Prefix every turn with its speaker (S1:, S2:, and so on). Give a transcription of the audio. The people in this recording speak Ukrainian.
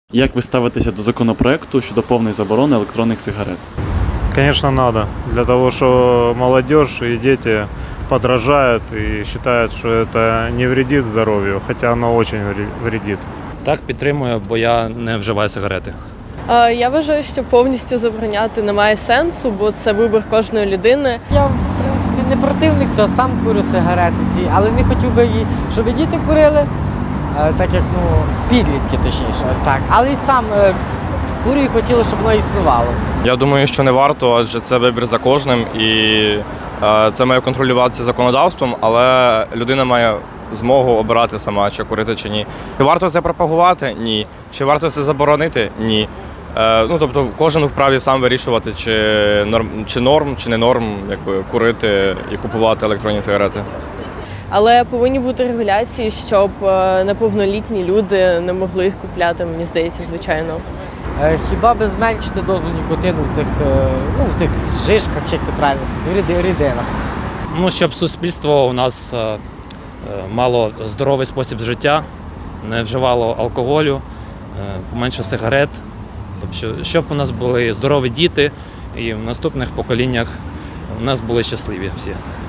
S1: Як ви ставитеся до законопроекту щодо повної заборони електронних сигарет?
S2: Конечно, надо. Для того, что молодежь и дети подражают и считают, что это не вредит здоровью, хотя оно очень вредит.
S3: Так, підтримую, бо я не вживаю сигарети.
S4: Я вважаю, що повністю забороняти немає сенсу, бо це вибір кожної людини.
S5: Я, в принципі, не противник, то сам курю сигарети ці, але не хотів би, щоб і діти курили, так як, підлітки точніше, ось так. Але і сам курю і хотіло, щоб воно існувало.
S6: Я думаю, що не варто, адже це вибір за кожним і це має контролюватися законодавством, але людина має змогу обирати сама, чи курити, чи ні. Чи варто це пропагувати? Ні. Чи варто це заборонити? Ні. Тобто кожен вправі сам вирішувати, чи норм, чи не норм, курити і купувати електронні сигарети.
S4: Але повинні бути регуляції, щоб неповнолітні люди не могли їх купляти, мені здається, звичайно.
S5: Хіба би зменшити дозу нікотину в цих жишках, чи як це правильно, в рідинах.
S3: Щоб суспільство у нас мало здоровий спосіб життя, не вживало алкоголю, менше сигарет, тобто, щоб у нас були здорові діти і в наступних поколіннях у нас були щасливі всі.